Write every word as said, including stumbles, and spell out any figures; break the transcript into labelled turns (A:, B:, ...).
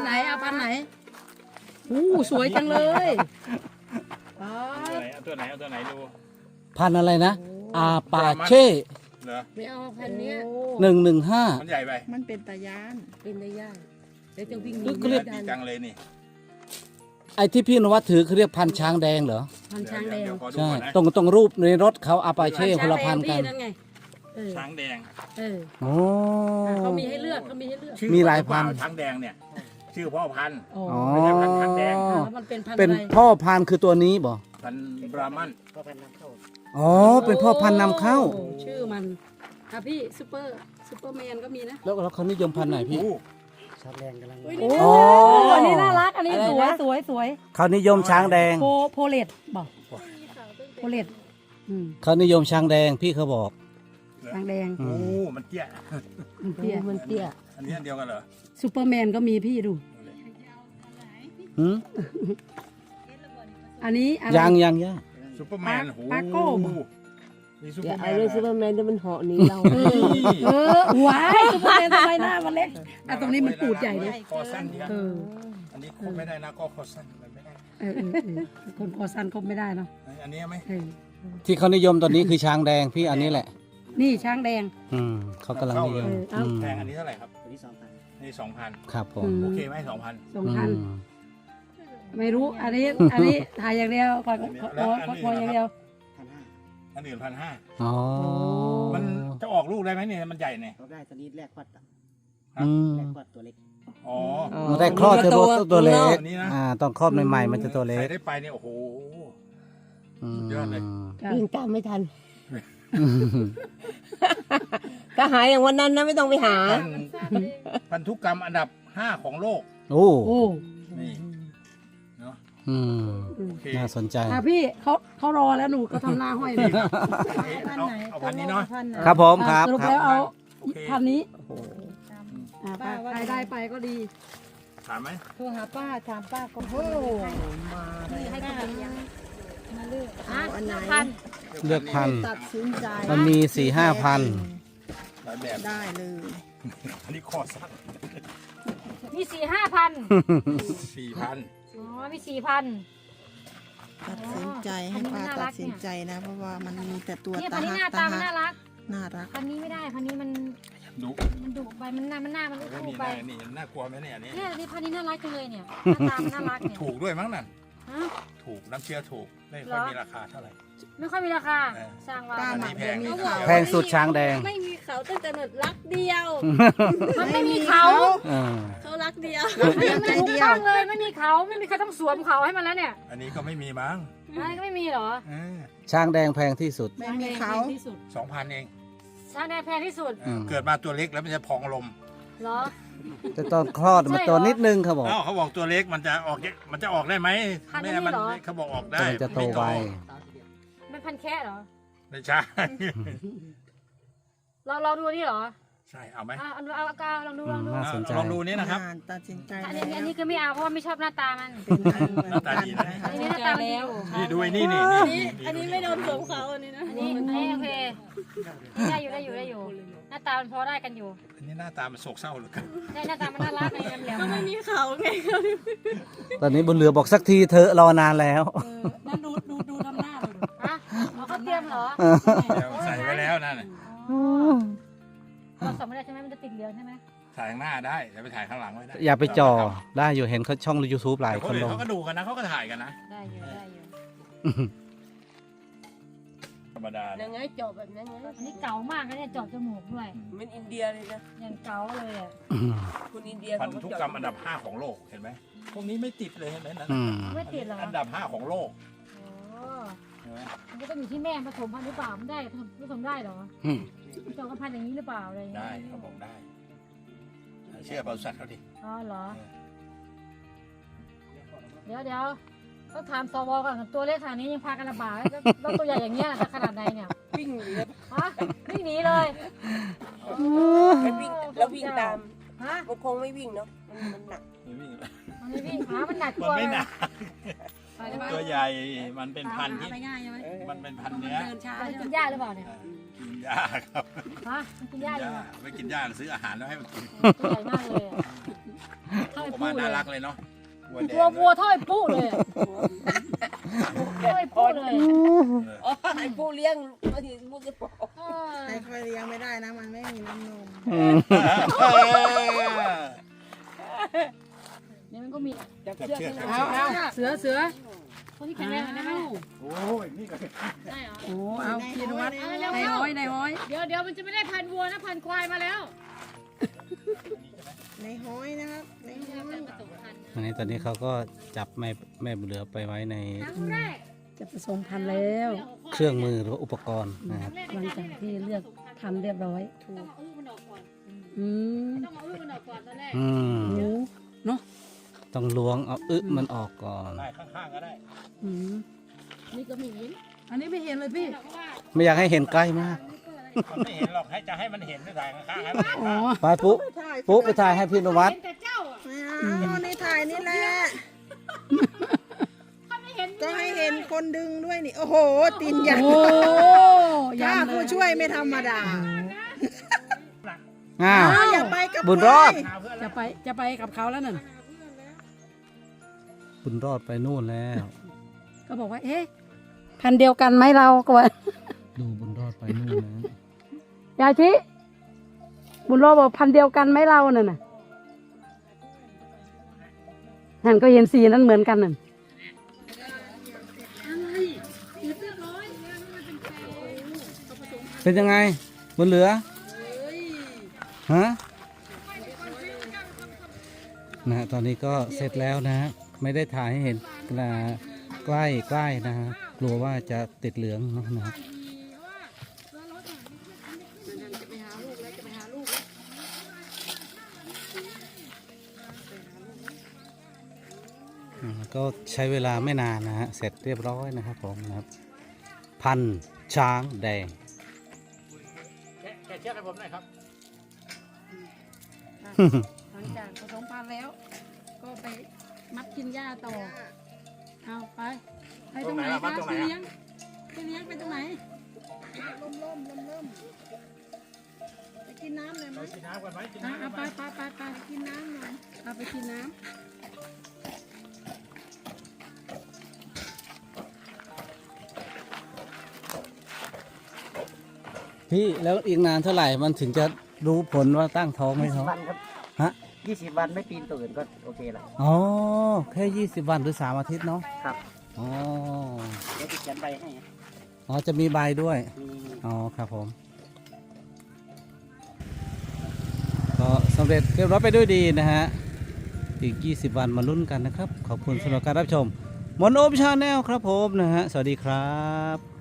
A: ไหนเอาพันไหนอู้สวยจังเลยอ๋อ
B: เอาตัวไหนเอาตัวไหนดู
C: พันอะไรนะอาปาเช่
B: เหรอ
A: ไม่เอาพันเนี้ย
C: หนึ่งหนึ่งห้า
B: มันใหญ่ไป
D: มันเป็นตายาน
A: เป็นได้ยากเดี๋ยวจะวิ่งหนี
B: เรี
A: ไม่
B: ยก
A: ได้
B: ดีจังเลยนี่
C: ไอ้ที่พี่นวัดถือเขาเรียกพันช้างแดงเหรอ
A: พันช้างแดง
B: เดี๋ยวขอดู
C: ใช่
B: ก่อนนะ
C: ตรงตรงรูปในรถเขาอาปาเช่คนละพันกัน
A: นั่นไงเออ
B: ช้างแดง
A: เออ
C: โอ้
A: เขามีให้เลือกเขามีให้เลือก
B: ชื่อ
C: มีหลายพัน
B: เปช้างแดงเนี่ย ชื่อพ่อพันธุ์
A: อ๋อ
C: อ๋อ
B: ไม่ใช่พันช้างแดง
A: แล้วมันเป็นพันธุ์
C: เป็น
A: อะไร
C: พ่อพันธุ์คือตัวนี้บ่
B: พันธุ์บรามัน
C: อ๋อเป็นพ่อพันธุ์นำเข้า
A: โอ้ชื่อมันอ่ะพี่ซูเปอร์ซูเปอร์แมนก็มีนะ
C: แล้วแล้วเขานิยมพันธุ์ไหนพี่
B: อู้
C: โอ้
A: อันนี้น่ารักอันนี้สวยสวยสวย
C: เขานิยมช้างแดง
A: โพโพเลตบอกโพเลตอืม
C: เขานิยมช้างแดงพี่เขาบอก
A: ช้างแดง
C: อื
B: โอ้
C: ม
B: มันเตี้ย
A: มันเตี้ยมันเตี้ย
B: อันนี้อันเดียวกันเหรอ
A: ซูเปอร์แมนก็มีพี่ดู
C: หืม
A: อันนี้อะไร
C: ยังยังยัง
B: ซูเปอร์แมนโอ้โห
A: ปาโก้บ่
B: นี่ซูเป
E: อ
B: อร์แม
E: ย่าเอา
B: น
E: เรื่องซู
B: เหร
E: เปอ
B: อ
E: ร์แมนเดี๋ยวมันเหาะหนีเรา
A: เออเออว้ายซูเปอร์แมนทำไมหน้ามันเล็กอ่ะตรงนี้มันปูดใหญ่เลย
B: คอสั้นเนี่ย
A: เออ
B: อันนี้คบไม่ได้นะก็คอสั้นมันไม่ได้
A: เออเออเออคนคอสั้นคบไม่ได้เนาะ
B: อันนี้ไหม
A: เออ
C: ที่เขานิยมตอนนี้คือช้างแดงพี่อันนี้แหละ
A: นี่ช้างแดง
C: อืมเขากำลังนิยม
A: เออเอา
C: อืม
B: แพงอันนี้เท่าไหร่ครับอันนี้สองพันนี่สองพัน
C: ครับผม
A: อืม
B: โอเคไหมสองพัน
A: สองพัน
C: อืม
A: ไม่รู้ อันนี้ อันนี้ถ่ายอย่างเดียวก่อนขอขอขอขออย่างเดียว
B: อันอื่นพันห้า
C: อ๋อ
B: มันจะออกลูกได้ไหมเนี่ยมันใหญ่เนี่ย
F: เราได้สลิดแรกควัดอะ
C: อืม
F: แรกควัดตัวเล็ก
B: อ๋อ
C: มันได้คลอดจะตัวตัวเล็ก
B: อันนี้นะ
C: อ่าต้องคลอดใหม่ๆมันจะตัวเล็
B: ใคร
C: ก
B: ได้ไปเนี่ยโอ้โห
C: อืม
B: สุดยอดเลย
A: จ้ะ
E: วิ่งตามไม่ทัน ถ้าหายอย่างวันนั้นนะไม่ต้องไปหา
B: พันพันธุกรรมอันดับห้าของโลก
C: โอ้
A: โอ้
B: นี่เนาะ
C: อืม
B: โอเค
C: น่าสนใจ
A: อ่ะพี่เขาเขารอแล้วหนูก็ทำหน้าห้อยเลย
B: เอาเอาพันนี้เนาะ
C: ครับผมค
A: อ่ะ
C: รับ
A: สรุป
C: ครับ
A: แล้วเอา
B: โอเค
A: พันนี้
C: โอ้โห
A: อ่ะไปใครได้ไปก็ดี
B: ถามไหม
D: โทรหาป้าถามป้าก็โอ้
A: นี่ให้กินยัง
D: มาเลือก
A: อ่ะ
D: อันไหน
A: พัน
C: เลือกพัน
D: ตัดสินใจ
C: มันมีสี่ห้าพัน
B: หลายแบบ
D: ได้เลย
B: อันนี้คอสั้น
G: มีสี่ห้าพัน
B: สี่พัน
G: อ๋อ มีสี่พัน
D: ตัดสินใจให้ป้า
G: อันนี้น่ารั
D: ตั
G: ก
D: ดสินใจนะ เพราะว่ามันมีแต่ตัว
G: เนี่ย
D: ตา
G: พันนี้ห
D: หั
G: น้าก ตา
D: ตา
G: มัน
D: หั
G: น่าก รัก
D: น่ารัก
G: พันนี้ไม่ได้ พันนี้มัน
B: ดู
G: มันดุไป มันหน้ามันหน้ามัน
B: เฮ้ย
G: คู่
B: นี่
G: ไป
B: น่านี่น่ากลัวไหมเนี่ยอันนี้
G: เนี่ยนี่พันนี้น่ารักจังเลยเนี่ย หน้าตามันน่ารักเนี่ย
B: ถูกด้วยมั้งนั่น
G: ฮะ
B: ถูกน้ำเชื่อถูกไม่ค่อยมีราคาเท่าไหร่
G: ไม่ค่อยมีราคา
B: เออ
G: สร้างว่า
D: ป้าหมักเดี๋ยวมีเขา
C: แพงสุดช้างแดง
H: ไม่มีเขาตั้งแต่หนดรักเดียว
G: มันไม่มีเขา
C: อ่า
H: เขารักเดียว
G: มันไม่ถูกต้องเลย ไม่มีเขา ไม่มีใครต้องสวมเขาให้มันแล้วเนี่ย
B: อันนี้ก็ไม่มีมั้ง
G: อะไรก็ไม่มีเหรอ
C: ช้างแดงแพงที่สุด
D: ไม่มีเขา
A: ที่สุด
B: สองพันเอง
G: ช้างแดงแพงที่สุด
C: อืม
B: เกิดมาตัวเล็กแล้วมันจะพองลม
G: เหรอ
C: แต่ตอนคลอดมันตัวนิดนึงเขาบอก
B: เอ้าเขาบอกตัวเล็กมันจะออกมันจะออกได้ไหม
G: พันนี้
B: แม่มั
G: เหรอ
B: เขาบอกออกได้
C: แต่มันจะโตไว
G: มันพันแค่เหรอ
B: ไม่ใช่
G: เราเราดูนี่เหรอ
B: ใช่เอาไหม
G: อ่ะเอาเอาเอาเอาลองดูลองดู
C: น่าสนใจ
B: ลองดูนี่นะครับ
D: อ่าตัดสินใจ
G: อัน
D: แล้
G: นี้
D: ว
G: อันนี้คือไม่เอาเพราะว่าไม่ชอบหน้าตามัน
B: หน้าตาดีนะ
G: อันนี้หน้าตามันดีอยู่
B: นี่ดูไอ้นี่นี่
H: อัน
B: นี่
H: นี้อันนี้ไม่โดนสวมเขาอันนี้นะ
G: อันนี้อันนี้โอเคนี่ได้อยู่ได้อยู่ได้อยู่ หน้าตามันพอได้กันอยู่
B: อันนี้หน้าตามันโศกเศร้าเหลือเกิน
G: ได้หน้าตามันน่ารักไงแหลม
H: ก็
G: ๆ
H: ไม่มีเขาไง
C: ตอนนี้บนเรือบอกสักทีเธอะรอนานแล้ว
A: เออนั่นดูดูดูทำหน้าเลย
G: ฮะอ๋อเขาเตรียมเหรอ
B: เดี๋ยวใส่ไว้แล้วนั่นน่ะ
G: เราส่งไม่ได้ใช่ไหมมันจะติดเหลืองใช่ไหม
B: ถ่ายข้างหน้าได้แต่ไปถ่ายข้างหลังไว้ได้
C: อย่าไปจ่อได้อยู่เห็นเขาช่อง YouTube หลาย
B: แต่
C: ค
B: คน
C: น
B: อื่
C: ล
B: น
C: ง
B: เขาก็ดูกันนะเขาก็ถ่ายกันนะ
G: ได้อยู่ได้อยู่
B: ธรรมดา
E: ยังไงจบแบบนั้นไง
G: อันนี้เก๋ามากนะเนี่ยเจาะจมูกด้วย
E: เหมันอินเดียเลยนะ
G: อย่างเก๋าเลยอ่ะ
E: คุณอินเดีย
B: พันธุกรรมอันดับห้าของโลกเห็นไหมพวกนี้ไม่ติดเลยเห็นไหมนั่น
C: อืม
G: ไม่ติดเหรอ
B: อันดับห้าของโลก
G: โอ้
B: เห็นไหม
G: มันก็ต้องอยู่ที่แม่ผสมพันธุ์หรือเปล่ามันได้ผสมผสมได้เหรอ
C: อืม
G: ผสมกับพันธุ์อย่างนี้หรือเปล่าอะไรอย่างเงี้
B: ได้
G: ย
B: เขาบอกได้เชื่อบริษัทเขาดิ
G: อ๋อเหรอ เดี๋ยวเดี๋ยวต้องถามสวก่อนตัวเล็กขนาดนี้ยังพากันลำบากแล้วแล้วตัวใหญ่อย่างเงี้ยจะขนาดไหนเนี่ย
E: วิ่งหนีแล้ว
G: ฮะวิ่งหนีเลย
E: มันวิ่งแล้ววิ่งตาม
G: ฮะ
E: มันคงไม่วิ่งเนาะมันมันหนัก
B: ไม่วิ่งเลย
G: มันไม่วิ่งขามันหนัก
B: มั
G: ตั
B: น
G: ว
B: ไม่หนัก
A: ไปได้ไหม
B: ตัวใหญ่มันเป็นพันธุ์ที่
A: ไปง่ายใช่ไหม
B: มันเป็นพันธุ์เนื้อ
A: เดินช้า
G: มัน
A: ใช่
G: กิน
A: ไหม
G: หญ้าหรือเปล่าเนี่ย
B: เออกินหญ้าครับ
G: ฮะมันกินหญ้าอยู่
B: ไม่กินหญ้าซื้ออาหารแล้วให้มันกิน
G: ตัวใหญ่มากเลยอะเท่า
B: ออกมาน่ารักเลยเนาะวัวแดง
G: ตัววัวเท่าไอ้ปุ๊เลยอะเท่าไอ้ปุ๊เลย
E: อ๋อไอ้ผู้เลี้ยงบางทีผู้จะบอก
G: เออ
D: ให้ค่อยเลี้ยงไม่ได้นะมันไม่มีน้ำนม
G: นี่มันก็มี
E: จับเชือกให้มัน
A: เอาเอาเสือเสือ
G: คนที่แข็งแรงได้ไหม
B: โอ้ยนี่ก็
G: ได้เหรอ
A: โอ้เอาพี่นวัด
G: เอา
A: ใน
G: เร็ว
A: ห้อยในห้อย
G: ๆเดี๋ยวเดี๋ยวมันจะไม่ได้พันวัวนะพันควายมาแล้ว
D: ในห้อยนะครับในห้อย
C: อันนี้ตอนนี้เขาก็จับแม่แม่บุญเหลือไปไว้ใน
G: ครั้งแรก
A: จะผสมพันธุ์แล้ว
C: เครื่องมือหรือว่าอุปกรณ์นะครับ
A: หลังจากที่เลือกพันธุ์เรียบร้อย
G: ต้องเอาอื้อมันออกก่อน
A: อืม
G: ต้องเอาอื้อมันออกก่อนตอนแรก
C: อืม
A: โอ้เนาะ
C: ต้องล้วงเอาอึมันออกก่อน
B: ได้ข้างๆก็ได้
A: อืม
G: นี่ก็มีหิน
A: อันนี้ไม่เห็นเลยพี่
G: เพราะว่า
C: ไม่อยากให้เห็นใกล้มาก
B: มันไม่เห็นหรอกให้จะให้มันเห็นไม่ถ่ายข้างๆให้มันเห็น
A: อ๋อ
B: บ้าง
C: ไปปุ๊
D: ถ่าย
C: ปุ๊ไปถ่ายให้พี่นวัด
G: เห็นแต่เจ้าอะ
D: ไม่เอาในถ่ายนี่แหละ
G: ถ้าไม่เห็น
D: ก็ให้เห็นคนดึงด้วยนี่ โอ้โห ตีนใหญ่
A: โอ้
D: ถ้า
A: ยันเล
D: ผู้
A: ย
D: ช่วยไม่ธรรมดา
C: อ้าว
D: อ้าวอย่าไปกับ
C: บุญรอด
D: ใค
B: หาเพื่อน
A: จะไปจะไปกับเขาแล้วนั่น
C: บุญรอดไปนู่นแล้ว
A: ก็บอกว่า เอ๊ะพันธุ์เดียวกันไหมเราก็ว่า
C: ดูบุญรอดไปนู่นนะ
A: ยาชิบุญรอดบอกพันธุ์เดียวกันไหมเรานั่นน่ะนั่นก็เห็นสีนั้นเหมือนกันนั่น
C: เป็นยังไงบุญเหลือฮะนะฮะตอนนี้ก็เสร็จแล้วนะฮะไม่ได้ถ่ายให้เห็นนะใกล้ใกล้นะฮะกลัวว่าจะติดเหลืองเนาะนะฮะอืมก็ใช้เวลาไม่นานนะฮะเสร็จเรียบร้อยนะครับผมนะครับ พันช้างแดง
B: แกะแกะเชือกให้ผมหน่อยครับ
A: หลังจากผสมพันธุ์แล้ว ก็ไปมัดกินหญ้าต่อ เอาไปไปตรงไหน
B: ตรงไหนล่ะมั
A: คะ
B: ดตรงไหน
A: พี่
B: อะ
A: เลี้ยงพี่เลี้ยงไปตรงไหน
D: ล่มล่มล่มล่มไปกินน้ำเลยไหม
B: ไปกินน้ำก่อนไหมกิน
A: อ่ะ
B: น้ำก่
A: เอา
B: อน
A: ไป
B: ไหม
A: ไปไปไป
D: กินน้ำหน่อย
A: เอาไปกินน้ำ
C: พี่แล้วอีกนานเท่าไหร่มันถึงจะรู้ผลว่าตั้งท้องไหมท้อง
F: วันครับ
C: ฮะ
F: ยี่สิบวันไม่ปีนตัวอื่นก็โอเคละ
C: อ๋อแค่ยี่สิบวันหรือสามอาทิตย์เนาะ
F: ครับ
C: อ๋อ
F: เดี๋ยวจะเขียนใบให้
C: อ๋อจะมีใบด้วย
F: มี
C: อ๋อครับผมก็สำเร็จเรียบร้อยไปด้วยดีนะฮะอีกยี่สิบวันมาลุ้นกันนะครับ ขอบคุณสำหรับการรับชมมนโอมชาแนลครับผมนะฮะสวัสดีครับ